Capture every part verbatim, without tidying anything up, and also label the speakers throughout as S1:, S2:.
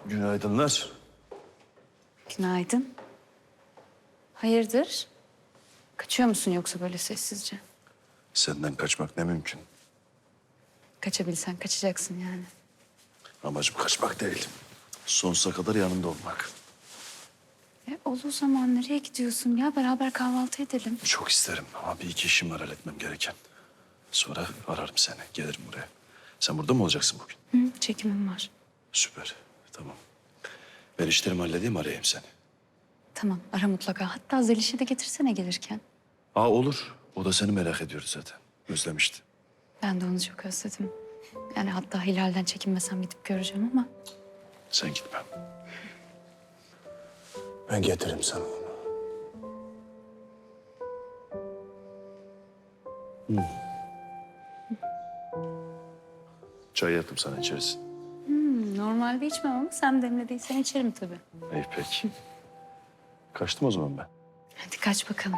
S1: Günaydınlar.
S2: Günaydın. Hayırdır? Kaçıyor musun yoksa böyle sessizce?
S1: Senden kaçmak ne mümkün.
S2: Kaçabilsen kaçacaksın yani.
S1: Amacım kaçmak değil. Sonsuza kadar yanında olmak.
S2: E, ol o zaman nereye gidiyorsun ya? Beraber kahvaltı edelim.
S1: Çok isterim ama bir iki işim var halletmem gereken. Sonra ararım seni, gelirim buraya. Sen burada mı olacaksın bugün?
S2: Hı, çekimim var.
S1: Süper, tamam. Ben işlerimi halledeyim, arayayım seni.
S2: Tamam ara mutlaka. Hatta Zeliş'i de getirsene gelirken.
S1: Aa olur. O da seni merak ediyordu zaten. Özlemişti.
S2: Ben de onu çok özledim. Yani hatta Hilal'den çekinmesem gidip göreceğim ama...
S1: Sen gitme. Ben getiririm sana onu. Hmm. Çay yaptım sana, içersin.
S2: Hmm, normalde içmem ama sen demlediysen içerim tabii.
S1: İyi peki. Kaçtım o zaman ben.
S2: Hadi kaç bakalım.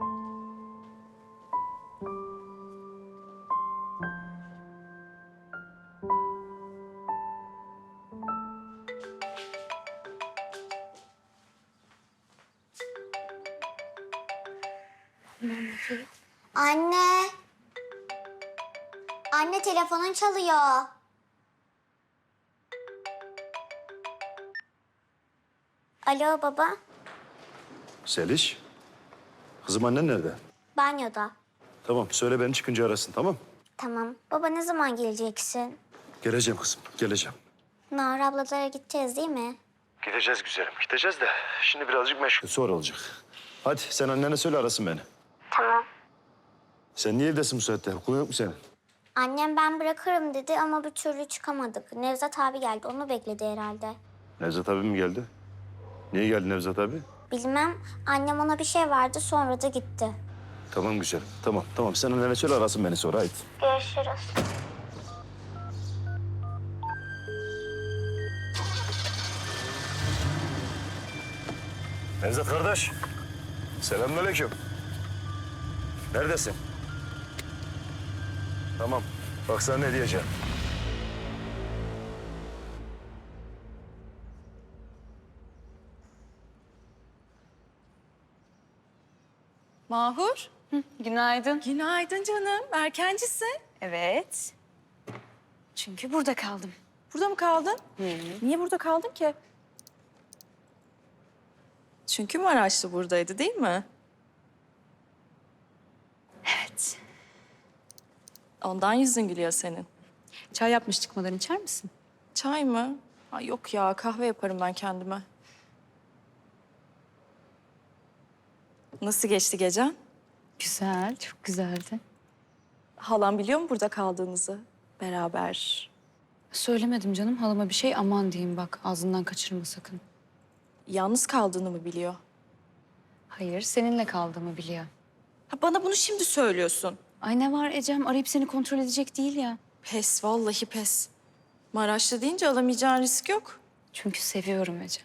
S3: Anne. Anne telefonun çalıyor. Alo baba.
S1: Seliş. Kızım annen nerede?
S3: Banyoda.
S1: Tamam, söyle beni çıkınca arasın, tamam?
S3: Tamam. Baba ne zaman geleceksin?
S1: Geleceğim kızım, geleceğim.
S3: Nahar ablalara gideceğiz değil mi?
S1: Gideceğiz güzelim, gideceğiz de şimdi birazcık meşgul. Sonra olacak. Hadi sen annene söyle arasın beni.
S3: Tamam.
S1: Sen niye evdesin bu saatte? Okulun yok mu senin?
S3: Annem ben bırakırım dedi ama bir türlü çıkamadık. Nevzat abi geldi. Onu bekledi herhalde.
S1: Nevzat abi mi geldi? Niye geldi Nevzat abi?
S3: Bilmem. Annem ona bir şey verdi sonra da gitti.
S1: Tamam güzelim, tamam tamam. Sen annene söyle arasın beni sonra, haydi.
S3: Görüşürüz.
S1: Nevzat kardeş. Selamünaleyküm. Neredesin? Tamam. Bak sana ne diyeceğim.
S4: Mahur.
S2: Günaydın.
S4: Günaydın canım. Erkencisin.
S2: Evet. Çünkü burada kaldım.
S4: Burada mı kaldın? Niye burada kaldın ki? Çünkü Maraşlı buradaydı değil mi?
S2: Evet.
S4: Ondan yüzün gülüyor senin.
S2: Çay yapmış çıkmadan içer misin?
S4: Çay mı? Ay yok ya kahve yaparım ben kendime. Nasıl geçti gecen?
S2: Güzel, çok güzeldi.
S4: Halam biliyor mu burada kaldığınızı? Beraber.
S2: Söylemedim canım halama bir şey, aman diyeyim bak ağzından kaçırma sakın.
S4: Yalnız kaldığını mı biliyor?
S2: Hayır, seninle kaldığımı biliyor.
S4: Ha, bana bunu şimdi söylüyorsun.
S2: Ay ne var Ecem, arayıp seni kontrol edecek değil ya.
S4: Pes, vallahi pes. Maraşlı deyince alamayacağın risk yok.
S2: Çünkü seviyorum Ecem.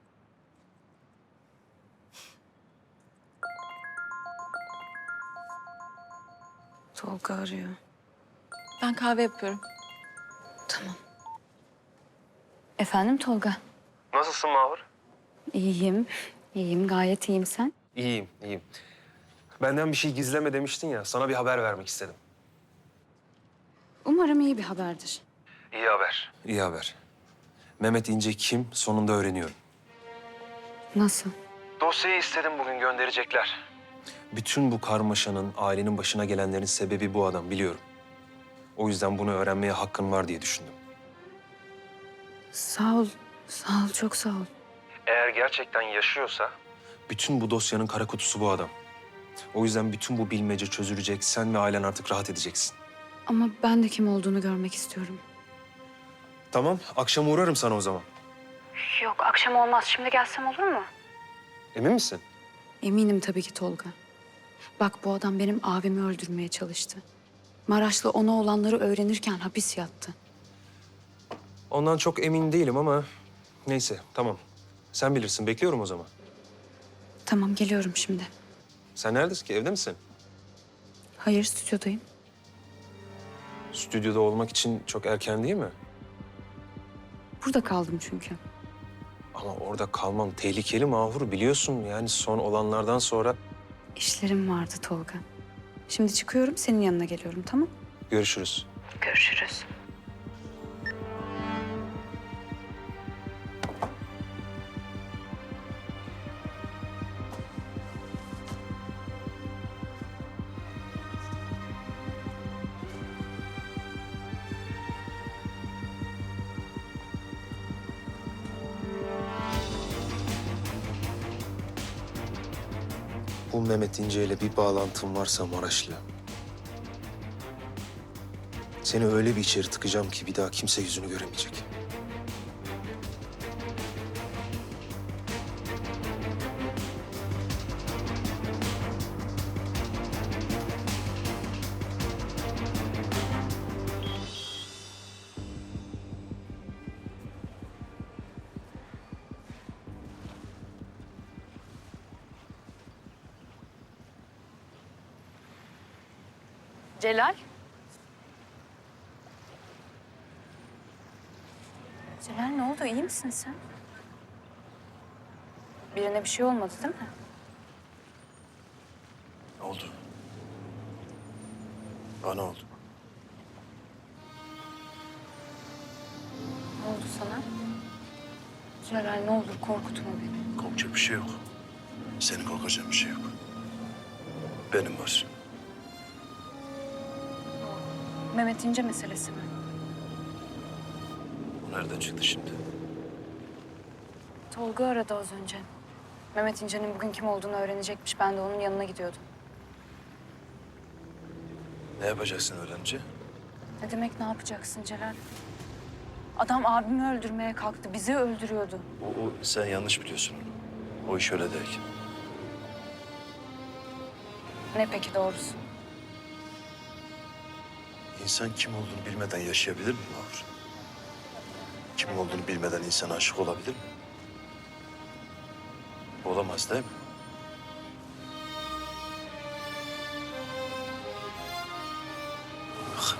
S2: Tolga arıyor.
S4: Ben kahve yapıyorum.
S2: Tamam. Efendim Tolga?
S5: Nasılsın Mahur?
S2: İyiyim, iyiyim, gayet iyiyim sen.
S5: İyiyim, iyiyim. Benden bir şey gizleme demiştin ya, sana bir haber vermek istedim.
S2: Umarım iyi bir haberdir.
S5: İyi haber. İyi haber. Mehmet İnce kim, sonunda öğreniyorum.
S2: Nasıl?
S5: Dosyayı istedim, bugün gönderecekler. Bütün bu karmaşanın, ailenin başına gelenlerin sebebi bu adam, biliyorum. O yüzden bunu öğrenmeye hakkın var diye düşündüm.
S2: Sağ ol, sağ ol, çok sağ ol.
S5: Eğer gerçekten yaşıyorsa... Bütün bu dosyanın kara kutusu bu adam. O yüzden bütün bu bilmece çözülecek, sen ve ailen artık rahat edeceksin.
S2: Ama ben de kim olduğunu görmek istiyorum.
S5: Tamam, akşam uğrarım sana o zaman.
S2: Yok, akşam olmaz. Şimdi gelsem olur mu?
S5: Emin misin?
S2: Eminim tabii ki Tolga. Bak bu adam benim abimi öldürmeye çalıştı. Maraşlı ona olanları öğrenirken hapis yattı.
S5: Ondan çok emin değilim ama neyse, tamam. Sen bilirsin, bekliyorum o zaman.
S2: Tamam, geliyorum şimdi.
S5: Sen neredesin ki, evde misin?
S2: Hayır, stüdyodayım.
S5: Stüdyoda olmak için çok erken değil mi?
S2: Burada kaldım çünkü.
S5: Ama orada kalmam tehlikeli Mahur, biliyorsun. Yani son olanlardan sonra
S2: İşlerim vardı Tolga. Şimdi çıkıyorum, senin yanına geliyorum, tamam?
S5: görüşürüz.
S2: Görüşürüz.
S5: Bu Mehmet İnce ile bir bağlantın varsa Maraşlı. Seni öyle bir içeri tıkacağım ki bir daha kimse yüzünü göremeyecek.
S2: Celal? Celal ne oldu? İyi misin sen? Birine bir şey olmadı değil mi?
S1: Ne oldu? Bana oldu.
S2: Ne oldu sana? Celal ne olur korkutma beni.
S1: Korkacak bir şey yok. Senin korkacağın bir şey yok. Benim var.
S2: Mehmet İnce meselesi mi?
S1: Bu nereden çıktı şimdi?
S2: Tolga aradı az önce. Mehmet İnce'nin bugün kim olduğunu öğrenecekmiş. Ben de onun yanına gidiyordum.
S1: Ne yapacaksın öğrenince?
S2: Ne demek ne yapacaksın Celal? Adam abimi öldürmeye kalktı. Bizi öldürüyordu.
S1: O, o sen yanlış biliyorsun onu. O iş öyle değil.
S2: Ne peki doğrusu?
S1: İnsan kim olduğunu bilmeden yaşayabilir mi Mahur? Kim olduğunu bilmeden insan aşık olabilir mi? Olamaz değil mi? Bak.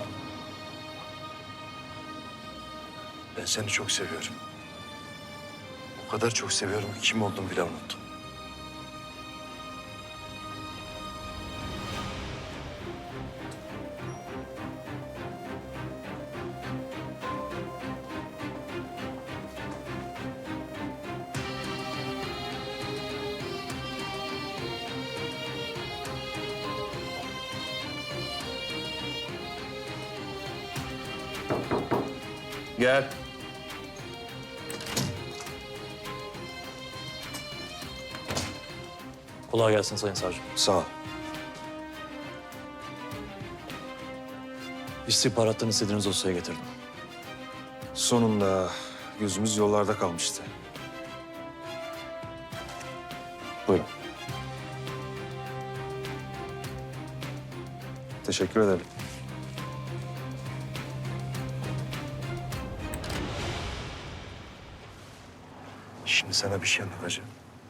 S1: Ben seni çok seviyorum. O kadar çok seviyorum ki kim olduğumu bile unuttum. Gel.
S6: Kolay gelsin Sayın Savcım.
S5: Sağ ol.
S6: İstihbarattan istediğiniz dosyayı getirdim.
S5: Sonunda gözümüz yollarda kalmıştı.
S6: Buyurun.
S5: Teşekkür ederim.
S1: Şimdi sana bir şey anlatacağım.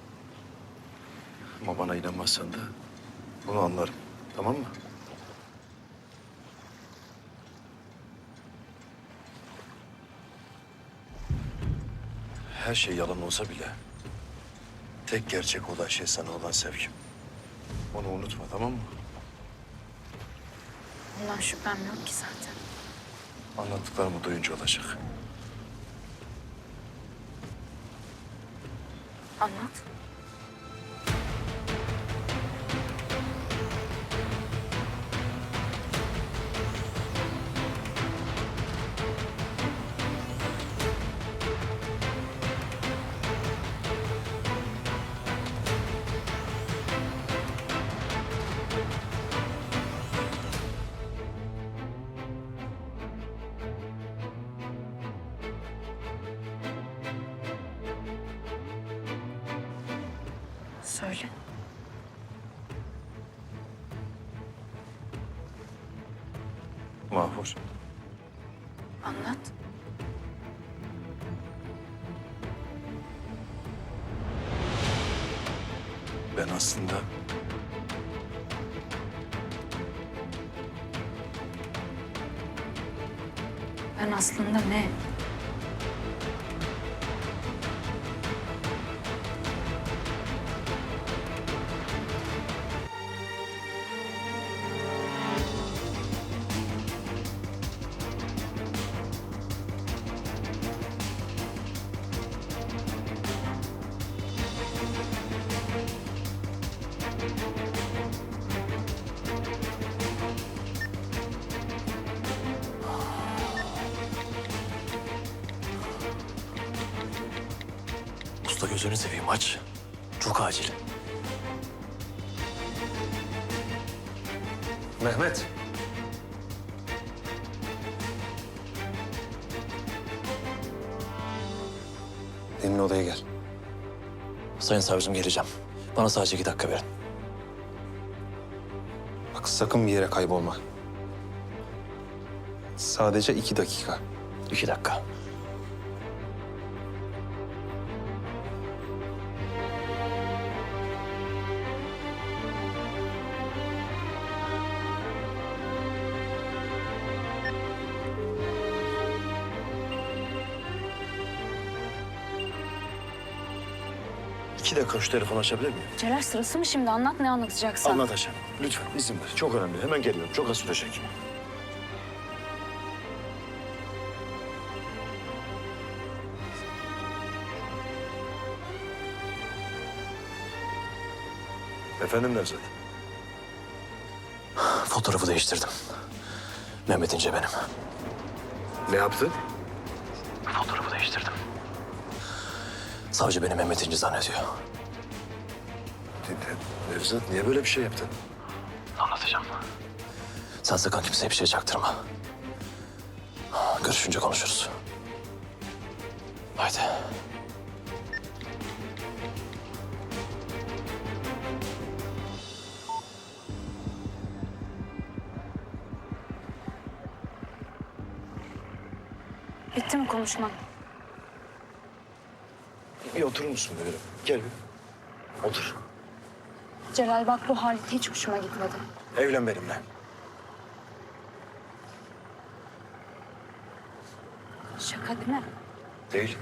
S1: Ama bana inanmazsan da bunu anlarım. Tamam mı? Her şey yalan olsa bile tek gerçek olan şey sana olan sevgim. Onu unutma, tamam mı?
S2: Bundan şüphem yok ki zaten.
S1: Anlattıklarımı duyunca olacak.
S2: Anlat. Söyle.
S1: Mahvur,
S2: Anlat.
S1: ben aslında
S2: Ben aslında ne?
S6: Usta gözünü seveyim aç. Çok acil.
S5: Mehmet. Senin odaya gel.
S6: Sayın savcım geleceğim. Bana sadece iki dakika verin.
S5: Bak sakın bir yere kaybolma. Sadece iki dakika.
S6: İki dakika.
S1: İki dakika şu telefonu açabilir miyim?
S2: Celal sırası mı şimdi? Anlat ne anlatacaksan.
S1: Anlatacağım. Lütfen izin ver. Çok önemli. Hemen geliyorum. Çok az sürecek. Efendim Nevzat?
S6: Fotoğrafı değiştirdim. Mehmet İnce benim.
S1: Ne yaptın?
S6: Fotoğrafı değiştirdim. Savcı beni Mehmet İnce zannediyor.
S1: Ne- Nevzat niye böyle bir şey yaptın?
S6: Anlatacağım. Sen sakın kimseye bir şey çaktırma. Görüşünce konuşuruz. Haydi.
S2: Bitti mi konuşman?
S1: Bir oturur musun böyle? Gel bir. Otur.
S2: Celal bak bu halit hiç hoşuma gitmedi.
S1: Evlen benimle.
S2: Şaka değil mi?
S1: Değil.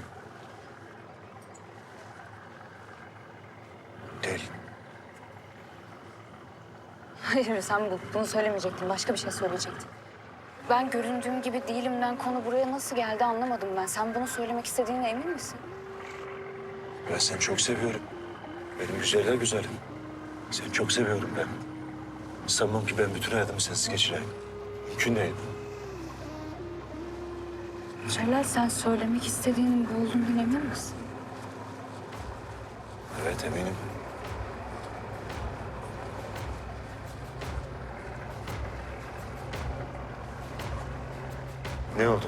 S1: Değil.
S2: Hayır sen bu, bunu söylemeyecektin. Başka bir şey söyleyecektin. Ben göründüğüm gibi değilimden konu buraya nasıl geldi anlamadım ben. Sen bunu söylemek istediğine emin misin?
S1: Ben seni çok seviyorum. Benim güzeller güzelim. Seni çok seviyorum ben. Sanmam ki ben bütün hayatımı sensiz geçireyim. Mümkün değil.
S2: Celal sen söylemek istediğinin bu olduğundan emin misin?
S1: Evet eminim. Ne oldu?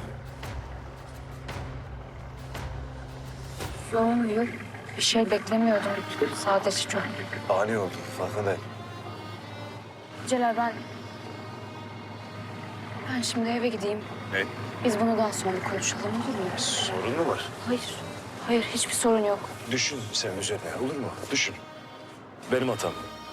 S2: Yok yok. Bir şey beklemiyordum. Sadece çok.
S1: Ani oldu. Farkındayım.
S2: Celal ben... Ben şimdi eve gideyim.
S1: Ne?
S2: Biz bunu daha sonra konuşalım olur mu?
S1: Sorun mu var?
S2: Hayır. Hayır hiçbir sorun yok.
S1: Düşün sen üzerine olur mu? Düşün. Benim hatam.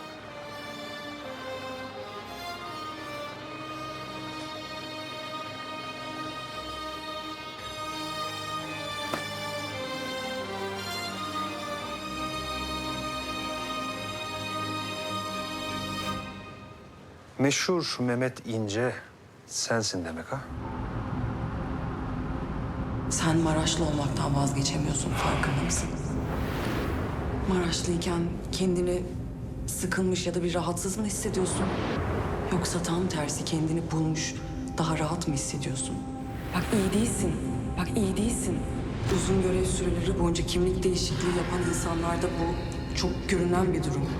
S5: Meşhur Mehmet İnce sensin demek ha?
S7: Sen Maraşlı olmaktan vazgeçemiyorsun, farkında mısın? Maraşlıyken kendini sıkılmış ya da bir rahatsız mı hissediyorsun? Yoksa tam tersi kendini bulmuş, daha rahat mı hissediyorsun? Bak iyi değilsin, bak iyi değilsin. Uzun görev süreleri boyunca kimlik değişikliği yapan insanlarda bu çok görünen bir durum.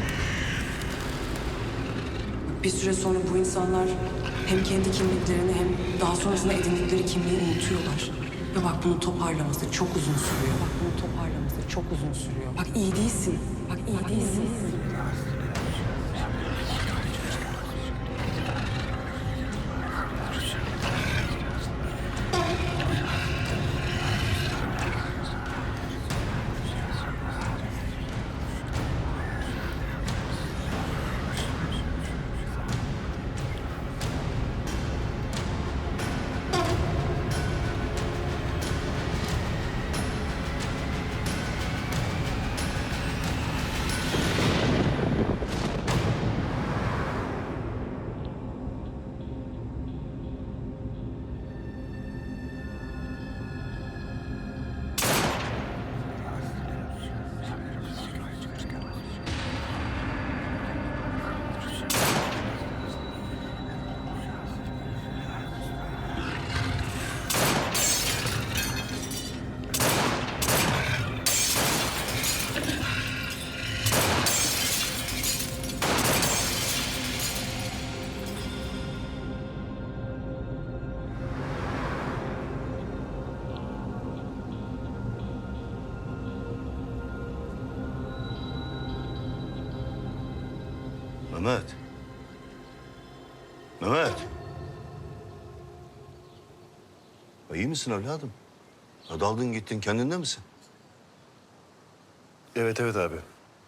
S7: Bir süre sonra bu insanlar hem kendi kimliklerini hem daha sonrasında edindikleri kimliği unutuyorlar. Ve bak bunu toparlaması çok uzun sürüyor. Bak bunu toparlaması çok uzun sürüyor. Bak iyi değilsin. Bak iyi değilsin.
S8: Mehmet. Mehmet. İyi misin evladım? Ya daldın gittin, kendinde misin?
S1: Evet evet abi.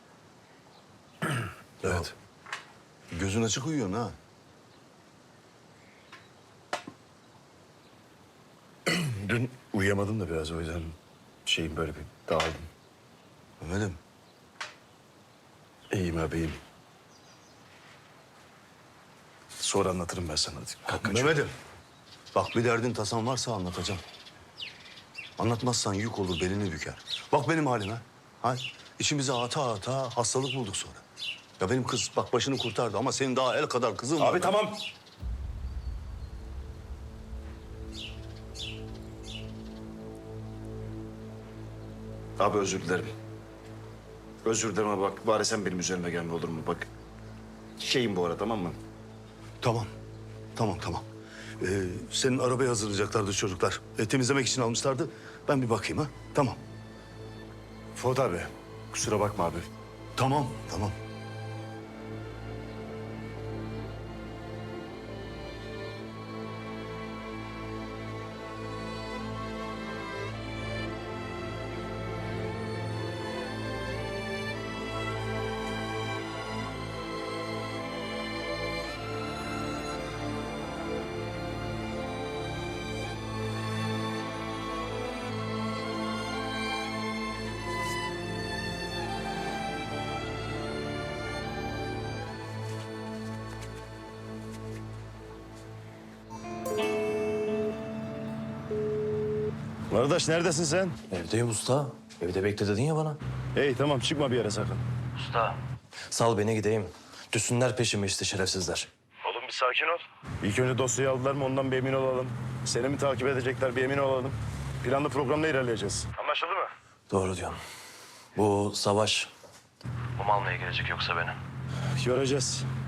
S1: Evet.
S8: Gözün açık uyuyorsun ha.
S1: Dün uyuyamadım da biraz, o yüzden şeyim böyle bir dağıldım.
S8: Mehmet'im.
S1: İyiyim abi, iyiyim. Sonra anlatırım ben sana. Hadi. Kalk, kaçıyorum.
S8: Mehmet'im. Bak bir derdin tasan varsa anlatacağım. Anlatmazsan yük olur, belini büker. Bak benim halime. Ha? İçimize ata ata hastalık bulduk sonra. Ya benim kız bak başını kurtardı ama senin daha el kadar kızın var.
S1: Abi tamam. Abi özür dilerim. Özür dilerim ama bak bari sen benim üzerime gelme, olur mu? Bak şeyim bu ara, tamam mı?
S8: Tamam. Tamam tamam. Ee, senin arabayı hazırlayacaklardı çocuklar. E, temizlemek için almışlardı. Ben bir bakayım ha. Tamam.
S1: Fuat abi kusura bakma abi.
S8: Tamam tamam.
S1: Kardeş neredesin sen?
S6: Evdeyim usta. Evde bekle dedin ya bana.
S1: Hey tamam, çıkma bir yere sakın.
S6: Usta. Sal beni gideyim. Düşsünler peşime işte şerefsizler.
S1: Oğlum bir sakin ol. İlk önce dosyayı aldılar mı ondan bir emin olalım. Seni mi takip edecekler bir emin olalım. Planlı programla ilerleyeceğiz. Anlaşıldı mı?
S6: Doğru diyorsun. Bu savaş... Bu mal neye gelecek yoksa beni?
S1: Göreceğiz.